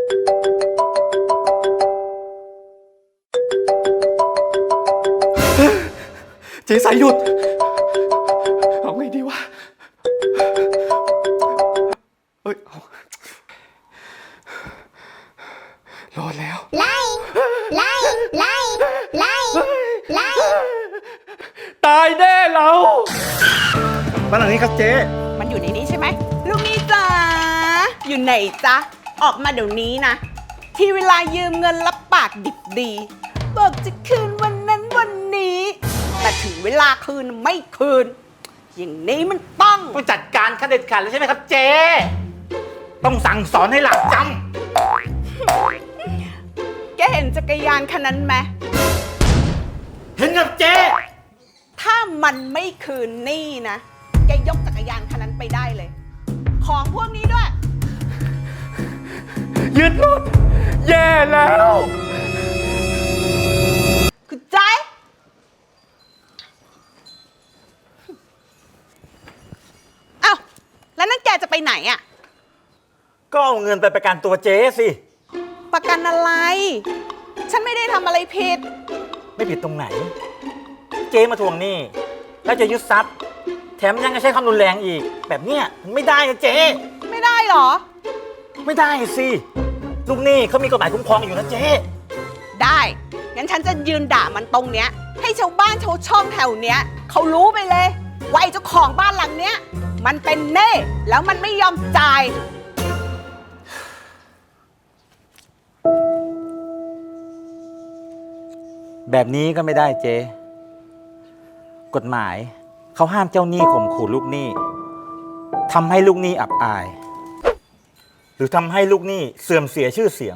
เจ๊สายหยุดเอาไงดีวะเอ้ยรอดแล้วไล่ตายแน่เราบ้านหลังนี้ครับเจ๊มันอยู่ในนี้ใช่ไหมลูกนี่จ๋าอยู่ไหนจ๊ะออกมาเดี๋ยวนี้นะที่เวลายืมเงินรับปากดิบดีบอกจะคืนวันนั้นวันนี้แต่ถึงเวลาคืนไม่คืนอย่างนี้มันต้องจัดการขั้นเด็ดขาดแล้วใช่ไหมครับเจ๊ต้องสั่งสอนให้หลักจแกเห็นจักรยานคันนั้นไหมเห็นครับเจ๊ถ้ามันไม่คืนนี่นะแกยกจักรยานคันนั้นไปได้เลยของพวกนี้ด้วยยึดรถแย่แล้วคือใจเอ้าแล้วนั่นแกจะไปไหนอ่ะก็เอาเงินไปประกันตัวเจ๊สิประกันอะไรฉันไม่ได้ทำอะไรผิดไม่ผิดตรงไหนเจ๊มาทวงหนี้แล้วจะยึดทรัพย์แถมยังจะใช้ความรุนแรงอีกแบบเนี้ยมันไม่ได้นะเจ๊ไม่ได้หรอไม่ได้สิลูกหนี้เขามีกฎหมายคุ้มครองอยู่นะเจ๊ได้งั้นฉันจะยืนด่ามันตรงเนี้ยให้ชาวบ้านชาวช่องแถวเนี้ยเขารู้ไปเลยว่าไอ้เจ้าของบ้านหลังเนี้ยมันเป็นเน่แล้วมันไม่ยอมจ่ายแบบนี้ก็ไม่ได้เจ๊กฎหมายเขาห้ามเจ้าหนี้ข่มขู่ลูกหนี้ทำให้ลูกหนี้อับอายหรือทำให้ลูกหนี้เสื่อมเสียชื่อเสียง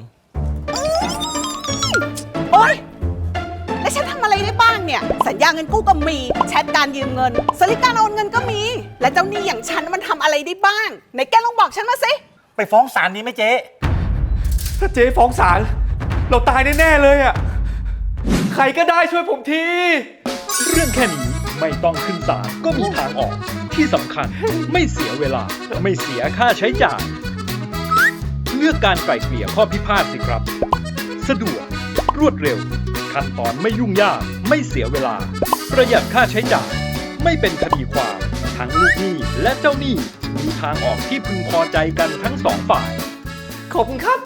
โอ๊ยแล้วฉันทำอะไรได้บ้างเนี่ยสัญญาเงินกู้ก็มีแชทการยืมเงินสลิปการโอนเงินก็มีและเจ้าหนี้อย่างฉันมันทำอะไรได้บ้างไหนแกลองบอกฉันมาสิไปฟ้องศาลดีไหมเจ๊ถ้าเจ๊ฟ้องศาลเราตายแน่ๆเลยอ่ะใครก็ได้ช่วยผมทีเรื่องแค่นี้ไม่ต้องขึ้นศาลก็มีทางออกที่สำคัญไม่เสียเวลาไม่เสียค่าใช้จ่ายเลือกการไกล่เกลี่ยข้อพิพาทสิครับสะดวกรวดเร็วขั้นตอนไม่ยุ่งยากไม่เสียเวลาประหยัดค่าใช้จ่ายไม่เป็นคดีความทั้งลูกหนี้และเจ้าหนี้มีทางออกที่พึงพอใจกันทั้งสองฝ่ายขอบคุณครับ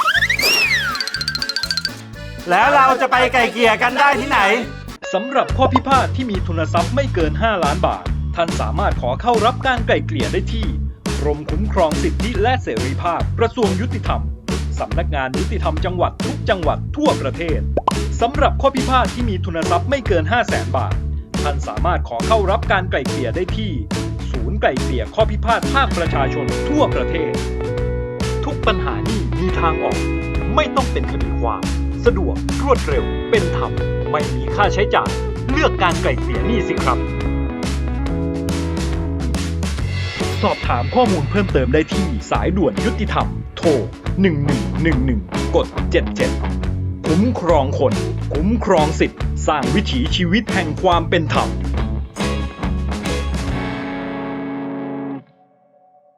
แล้วเราจะไปไกล่เกลี่ยกันได้ที่ไหนสำหรับข้อพิพาทที่มีทุนทรัพย์ไม่เกิน5 ล้านบาทท่านสามารถขอเข้ารับการไกล่เกลี่ยได้ที่กรมคุ้มครองสิทธิและเสรีภาพกระทรวงยุติธรรมสำนักงานยุติธรรมจังหวัดทุกจังหวัดทั่วประเทศสำหรับข้อพิพาทที่มีทุนทรัพย์ไม่เกิน 500,000 บาทท่านสามารถขอเข้ารับการไกล่เกลี่ยได้ที่ศูนย์ไกล่เกลี่ยข้อพิพาทภาคประชาชนทั่วประเทศทุกปัญหานี้มีทางออกไม่ต้องเป็นคดีความสะดวกรวดเร็วเป็นธรรมไม่มีค่าใช้จ่ายเลือกการไกล่เกลี่ยหนี้สิครับสอบถามข้อมูลเพิ่มเติมได้ที่สายด่วนยุติธรรมโทร1111กด77คุ้มครองคนคุ้มครองสิทธิ์สร้างวิถีชีวิตแห่งความเป็นธรรม